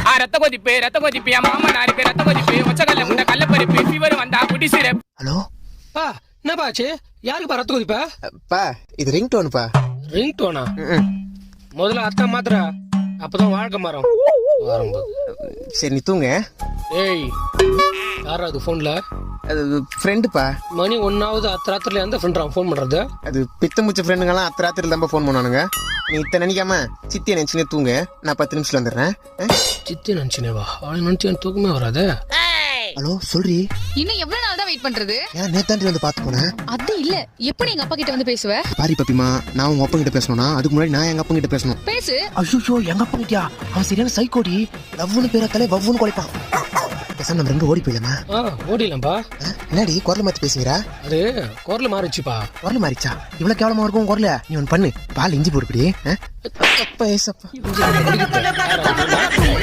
ரத்த கொதிப்பு என் மாமனாருக்கு ரத்த கொதிப்பு ஒச்சக்கல்ல முண்டை கள்ளப்பருப்பு ஃபீவர் வந்தா குடி சிரப். ஹலோ பா என்னப்பா ஆச்சு? யாருக்கு ரத்த கொதிப்பா? பா இது ரிங் டோனுப்பா. Ring Donna? முதல்ல அத்தான் மாத்திரா, அப்பதான் வாழ்க்கை மாறும். சரி நீ தூங்க. ஏய் யாரா அது போன்ல? அது ஃப்ரெண்டுப்பா. மணி 1ஆவது அத்தராத்திரில எந்த ஃப்ரெண்ட் ஃபோன் பண்றது? அது பித்த முச்ச ஃப்ரெண்டுங்கெல்லாம் அத்தராத்திரில தான் ஃபோன் பண்ணுவானுங்க. நீ இத்தனை நினைக்காம சித்தியை நினைச்சுனே தூங்க. நான் 10 நிமிஷத்துல வந்துடுறேன். சித்தி நினைச்சுனேவா? அவளை நினைச்சு எனக்கு தூக்கமே வராது. ஹலோ சொல்றி. இன்னும் எவ்வளவு நாள் தான் வெயிட் பண்றது? ஏன் நேத்தாண்டி வந்து பாத்து போனேன். அது இல்ல, எப்படி எங்க அப்பா கிட்ட வந்து பேசுவ? பாரி பப்பிமா, நான் உங்க அப்பா கிட்ட பேசணும்னா அதுக்கு முன்னாடி நான் எங்க அப்பா கிட்ட பேசணும். பேசு. ஐயோ எங்க அப்பா கிட்டயா? அவன் சரியான சைக்கோடி. லவ்னு பேரத்தாலே வவ்வுன்னு குலைப்பான். பேசாம நம்ம ரெண்டு ஓடி போயிடலாமா? ஓடிடலாம்ப்பா. என்னடி குரல் மாத்தி பேசுகிறா? அது குரல் மாறிச்சுப்பா. குரல் மாறிச்சா? இவ்வளவு கேவலமா இருக்கும் குரல. நீ ஒன்னு பண்ணு, பால் இஞ்சி போடுப்படி.